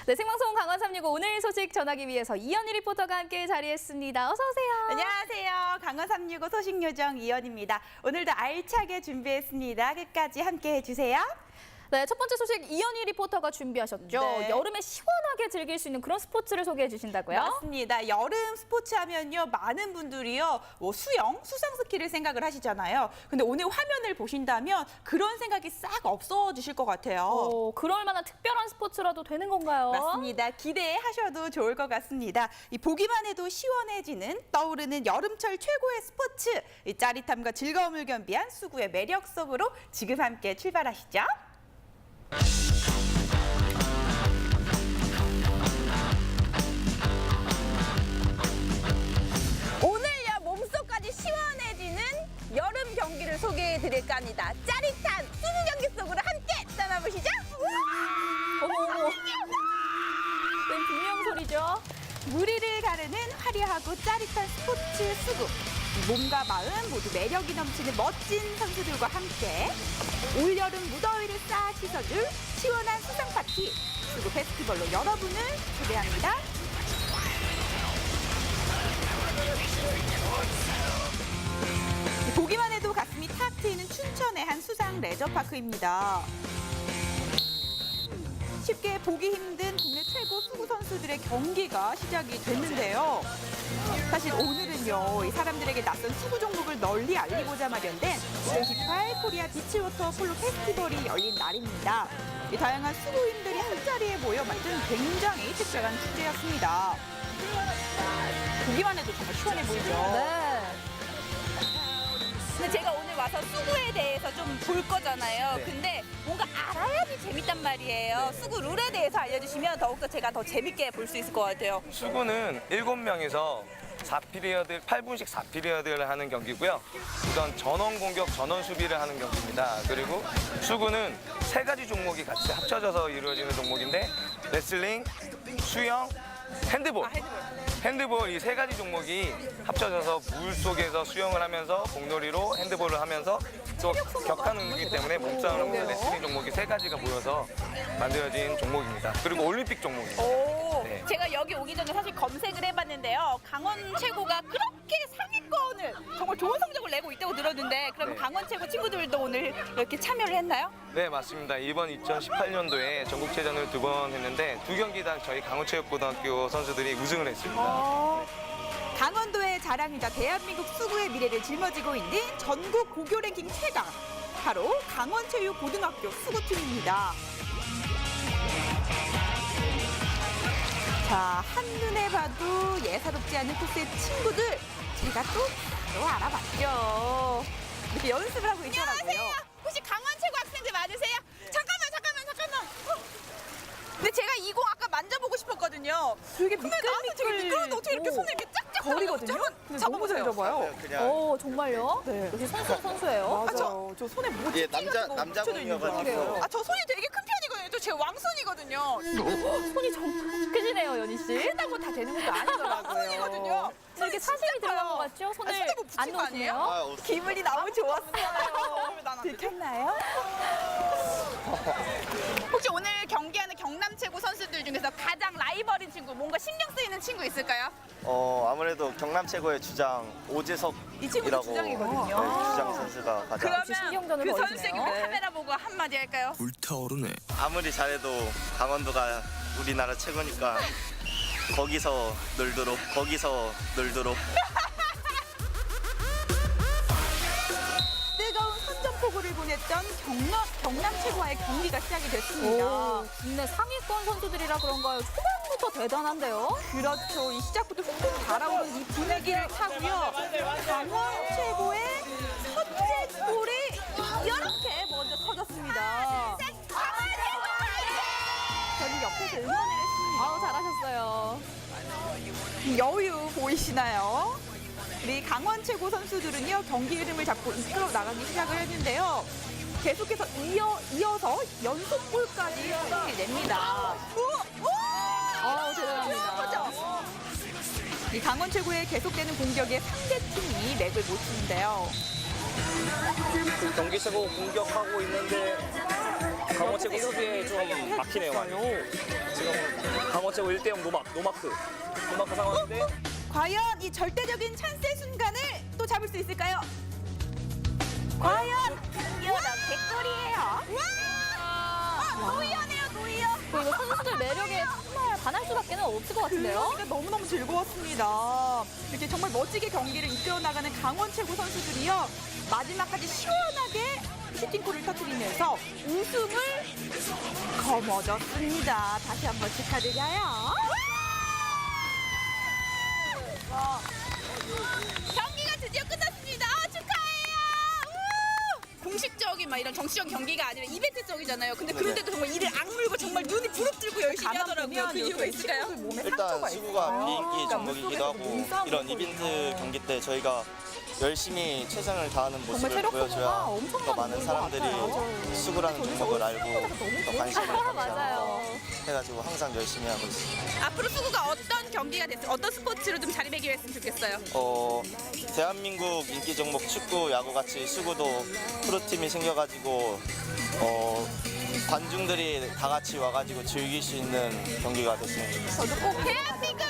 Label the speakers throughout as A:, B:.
A: 네, 생방송 강원 365 오늘 소식 전하기 위해서 이현희 리포터가 함께 자리했습니다. 어서 오세요.
B: 안녕하세요. 강원 365 소식 요정 이현입니다. 오늘도 알차게 준비했습니다. 끝까지 함께 해주세요.
A: 네, 첫 번째 소식 이현희 리포터가 준비하셨죠.
B: 네.
A: 여름에 시원하게 즐길 수 있는 그런 스포츠를 소개해 주신다고요?
B: 맞습니다. 여름 스포츠 하면요. 많은 분들이요. 수영, 수상 스키를 생각을 하시잖아요. 근데 오늘 화면을 보신다면 그런 생각이 싹 없어지실 것 같아요.
A: 그럴 만한 특별한 스포츠라도 되는 건가요?
B: 맞습니다. 기대하셔도 좋을 것 같습니다. 이 보기만 해도 시원해지는 떠오르는 여름철 최고의 스포츠. 이 짜릿함과 즐거움을 겸비한 수구의 매력 속으로 지금 함께 출발하시죠. 오늘야 몸속까지 시원해지는 여름 경기를 소개해드릴까 합니다. 짜릿한 수구 경기 속으로 함께 떠나보시죠.
A: 어머. 웬 비명 소리죠?
B: 무리를 가르는 화려하고 짜릿한 스포츠 수구. 몸과 마음 모두 매력이 넘치는 멋진 선수들과 함께 올여름 무더위를 싹 씻어줄 시원한 수상 파티 수구 페스티벌로 여러분을 초대합니다. 보기만 해도 가슴이 탁 트이는 춘천의 한 수상 레저파크입니다. 쉽게 보기 힘든 국내 최고 수구 선수들의 경기가 시작이 됐는데요. 사실 오늘은요, 이 사람들에게 낯선 수구 종목을 널리 알리고자 마련된 2018 코리아 비치워터 폴로 페스티벌이 열린 날입니다. 이 다양한 수구인들이 한자리에 모여 만든 굉장히 특별한 축제였습니다. 보기만 해도 정말 시원해 보이죠?
A: 네.
B: 근데 제가 오늘 와서 수구에 대해서 좀 볼 거잖아요.
C: 네.
B: 근데 뭔가 알아야지 재밌단 말이에요. 수구 룰에 대해서 알려주시면 더욱더 제가 더 재밌게 볼 수 있을 것 같아요.
C: 수구는 7명이서 4피리어드, 8분씩 4피리어드를 하는 경기고요. 우선 전원 공격, 전원 수비를 하는 경기입니다. 그리고 수구는 3가지 종목이 같이 합쳐져서 이루어지는 종목인데 레슬링, 수영, 핸드볼. 핸드볼 이 3가지 종목이 합쳐져서 물 속에서 수영을 하면서 공놀이로 핸드볼을 하면서 또 격한 운동이기 때문에 몸싸움을 하면서 레슬링 종목이 3가지가 모여서 만들어진 종목입니다. 그리고 올림픽 종목입니다.
B: 오,
C: 네.
B: 제가 여기 오기 전에 사실 검색을 해봤는데요. 강원 최고가 그렇게 상위권을 정말 좋은 성적을 내고 있다고 들었는데 그러면
C: 네.
B: 강원 최고 친구들도 오늘 이렇게 참여를 했나요?
C: 네, 맞습니다. 이번 2018년도에 전국체전을 2번 했는데 2경기당 저희 강원체육고등학교 선수들이 우승을 했습니다.
B: 강원도의 자랑이자 대한민국 수구의 미래를 짊어지고 있는 전국 고교 랭킹 최강 바로 강원체육고등학교 수구팀입니다. 자, 한눈에 봐도 예사롭지 않은 코스의 친구들 제가 또 바로 알아봤죠. 이렇게 연습을 하고 있더라고요. 안녕하세요. 혹시 강원체고 학생들 맞으세요? 잠깐만. 근데 제가 이 공 아까 만져보고 싶었거든요. 되게 미끌미끌. 되게 미끄러운데 어떻게 이렇게 손을 이렇게 짝짝 거리거든요. 너무 잘 잡아요.
D: 그냥
A: 정말요?
B: 네.
A: 역시 선수예요.
B: 저 손에 뭐
D: 예, 남자 공이어가지고
B: 아, 저 손이 되게 큰 편이거든요. 저 제 왕손이거든요.
A: 손이 정 크시네요, 연희 씨.
B: 끝나고 다 되는 것도 아니더라고요. 손이거든요.
A: 이렇게 사심이 들어간 것 같죠? 손을
B: 손에 뭐
A: 안
B: 붙인 거 아니에요?
A: 놓으시네요.
B: 기분이 너무 좋았어요. 들켰나요? 혹시 오늘 경기하는 경남 최고 선수들 중에서 가장 라이벌인 친구, 뭔가 신경 쓰이는 친구 있을까요?
D: 아무래도 경남 최고의 주장
B: 이
D: 오재석이라고
B: 친구도 주장이거든요.
D: 주장 선수가 가장
A: 역시 신경전을
B: 그
A: 벌이시네요.
B: 선수에게 우리 카메라 보고 한마디 할까요?
E: 불타오르네.
D: 아무리 잘해도 강원도가 우리나라 최고니까 거기서 놀도록
B: 뜨거운 선전포고를 보냈던 경남 최고와의 경기가 시작이 됐습니다.
A: 오, 국내 상위권 선수들이라 그런가요? 초반부터 대단한데요?
B: 그렇죠. 이 시작부터 훅 달아오른 이 분위기를 타고요. 강원 최고의 첫째 골이 이렇게 먼저 터졌습니다. 저는 옆에서 응원을 했습니다.
A: 아우, 잘하셨어요.
B: 여유 보이시나요? 우리 강원 최고 선수들은요, 경기 흐름을 잡고 이끌어 나가기 시작을 했는데요. 계속해서 이어서 연속골까지 성공해냅니다.
A: 대단합니다.
B: 이 강원 최고의 계속되는 공격에 상대팀이 맥을 못 추는데요.
F: 경기 최고 공격하고 있는데 강원 최고 수비에 좀 막히네요, 많이. 지금
E: 강원체고 1대0 노마크 상황인데
B: 과연 이 절대적인 찬스의 순간을 또 잡을 수 있을까요? 과연 이어난 백돌이에요. 노이어네요, 노이어.
A: 이거 선수들 매력에 정말 반할 수밖에 없을 것 같은데요.
B: 그러니까 너무너무 즐거웠습니다. 이렇게 정말 멋지게 경기를 이끌어 나가는 강원 최고 선수들이요. 마지막까지 시원하게 슈팅골을 터뜨리면서 우승을 거머쥐었습니다. 다시 한번 축하드려요.
F: 경기가 드디어 끝났습니다. 축하해요. 공식적인 막 이런 정치적 경기가 아니라 이벤트적이잖아요. 근데 그런데도 정말 이를 악물고 정말 눈이 부릅뜨고 열심히 하더라고요. 그 이유가 있을까요?
B: 몸에
D: 일단
B: 상처가
D: 수구가
B: 있어요.
D: 비인기
B: 그러니까
D: 종목이기도 하고
B: 몸싸움을
D: 이런
B: 벌이고
D: 이벤트
B: 있어요.
D: 경기 때 저희가 열심히 최선을 다하는 모습을
B: 체력 소모가
D: 보여줘야
B: 엄청
D: 더
B: 많이
D: 많은
B: 되는 것
D: 사람들이
B: 같아요.
D: 수구라는 종목을 알고 더 관심을
A: 맞아요.
D: 가지고 해가지고 항상 열심히 하고 있습니다.
F: 앞으로 수구가 어떤 경기가 됐으면 어떤 스포츠로 좀 자리매김했으면 좋겠어요.
D: 대한민국 인기 종목 축구, 야구 같이 수구도 프로팀이 생겨가지고 관중들이 다 같이 와가지고 즐길 수 있는 경기가 됐으면 좋겠습니다.
B: 저도 꼭
F: 대한민국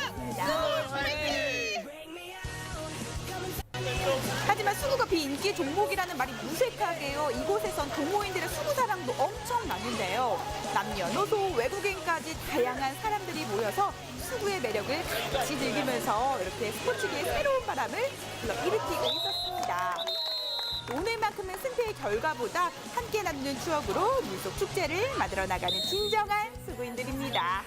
B: 하지만 수구가 비인기 종목이라는 말이 무색하게요. 이곳에선 동호인들의 수구 사랑도 엄청 많은데요. 남녀노소 외국인까지 다양한 사람들이 모여서 수구의 매력을 같이 즐기면서 이렇게 스포츠계의 새로운 바람을 불러일으키고 있었습니다. 오늘만큼은 승패의 결과보다 함께 남는 추억으로 물속 축제를 만들어 나가는 진정한 수구인들입니다.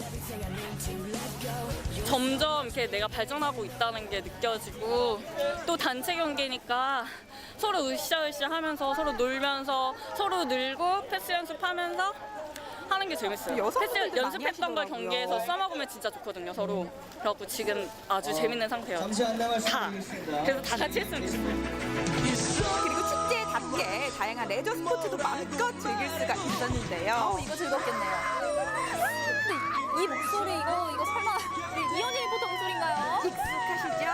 G: 점점 이렇게 내가 발전하고 있다는 게 느껴지고 또 단체 경기니까 서로 으쌰으쌰 하면서 서로 놀면서 서로 늘고 패스 연습하면서 하는 게 재밌어요.
B: 여성분들도
G: 패스
B: 많이
G: 연습했던 걸
B: 하시더라고요.
G: 경기에서 써먹으면 진짜 좋거든요, 서로. 그래갖고 지금 아주 재밌는 상태예요. 다. 그래서 다 같이 했으면 좋겠어요.
B: 그리고 축제답게 다양한 레저 스포츠도 마음껏 즐길 수가 있었는데요.
A: 이거 즐겁겠네요. 근데 이 목소리 이거 설마 우리 이현희 리포터 목소리인가요?
B: 익숙하시죠?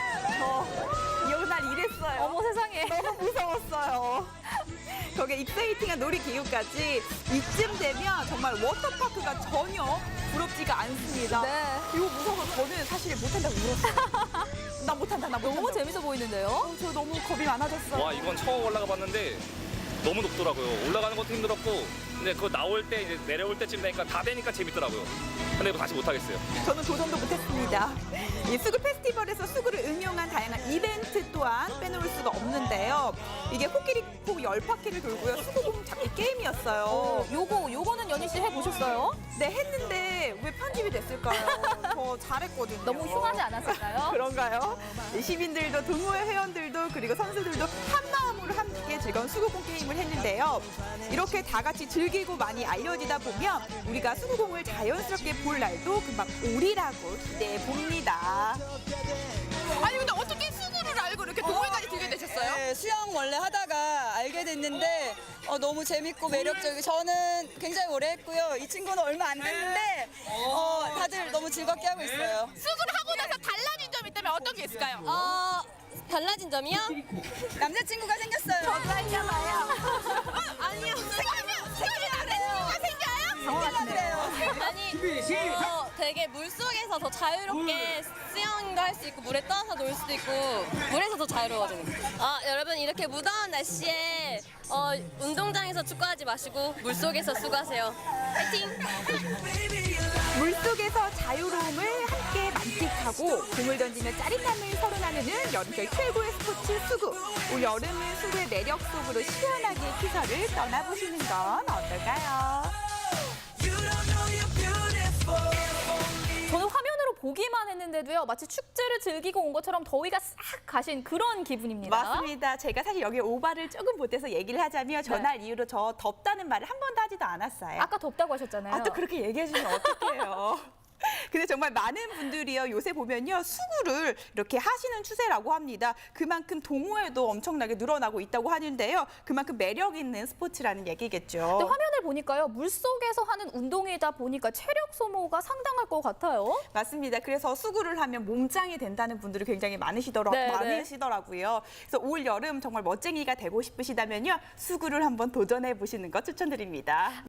B: 저 이혼날 이랬어요.
A: 어머 세상에.
B: 너무 무서웠어요. 거기에 익사이팅한 놀이기구까지 이쯤 되면 정말 워터파크가 전혀 부럽지가 않습니다.
A: 네.
B: 이거 무서워서 저는 사실 못한다고 울었어요. 나 못한다, 나 못한다.
A: 너무 재밌어 보이는데요.
B: 저 너무 겁이 많아졌어요.
E: 와 이건 처음 올라가 봤는데 너무 높더라고요. 올라가는 것도 힘들었고 근데 그거 나올 때 이제 내려올 때쯤 되니까 다 되니까 재밌더라고요. 근데 이거 다시 못 하겠어요.
B: 저는 도전도 못했습니다. 이 수구 페스티벌에서 수구를 응용한 다양한 이벤트 또한 빼놓을 수가 없는데요. 이게 코끼리 코 10바퀴를 돌고요. 수구공 잡기 게임이었어요.
A: 요거는 연희 씨 해보셨어요?
B: 네, 했는데 왜 편집이 됐을까요? 저 잘했거든요.
A: 너무 흉하지 않았을까요?
B: 그런가요? 시민들도 동호회 회원들도 그리고 선수들도 한 마음으로 함께 즐거운 수구공 게임을 했는데요. 이렇게 다 같이 즐기고 많이 알려지다 보면 우리가 수구공을 자연스럽게 볼 날도 금방 오리라고 기대해 봅니다.
F: 아니 근데 어떻게 수구를 알고 이렇게 동호회까지 들게 되셨어요?
H: 네, 수영 원래 하다가 알게 됐는데 너무 재밌고 매력적이고 저는 굉장히 오래 했고요. 이 친구는 얼마 안 됐는데 다들 너무 즐겁게 하고 있어요.
F: 수구를 하고 나서 달라진 점이 있다면 어떤 게 있을까요?
H: 달라진 점이요? 남자친구가 생겼어요. 저도 하려고요.
F: 아니요. 생기면 남자친구가 생겨요?
H: 그래요.
I: 아니, 되게 물속에서 더 자유롭게 수영도 할 수 있고 물에 떠서 놀 수도 있고 물에서 더 자유로워지는 거예요. 여러분 이렇게 무더운 날씨에 운동장에서 축구하지 마시고 물속에서 수고하세요. 파이팅!
B: 물속에서 자유로움을 함께 만끽하고 공을 던지며 짜릿함을 서로 나누는 여름철 최고의 스포츠 수구. 올 여름은 수구의 매력 속으로 시원하게 피서를 떠나보시는 건 어떨까요?
A: 저는 화면으로 보기만 했는데도요. 마치 축제를 즐기고 온 것처럼 더위가 싹 가신 그런 기분입니다.
B: 맞습니다. 제가 사실 여기 오바를 조금 보태서 얘기를 하자면 전날 이후로 저 덥다는 말을 한 번도 하지도 않았어요.
A: 아까 덥다고 하셨잖아요.
B: 또 그렇게 얘기해 주면 어떡해요. 근데 정말 많은 분들이요. 요새 보면요. 수구를 이렇게 하시는 추세라고 합니다. 그만큼 동호회도 엄청나게 늘어나고 있다고 하는데요. 그만큼 매력 있는 스포츠라는 얘기겠죠.
A: 근데 화면을 보니까요. 물속에서 하는 운동이다 보니까 체력 소모가 상당할 것 같아요.
B: 맞습니다. 그래서 수구를 하면 몸짱이 된다는 분들이 굉장히
A: 네,
B: 많으시더라고요. 그래서 올 여름 정말 멋쟁이가 되고 싶으시다면요. 수구를 한번 도전해 보시는 거 추천드립니다.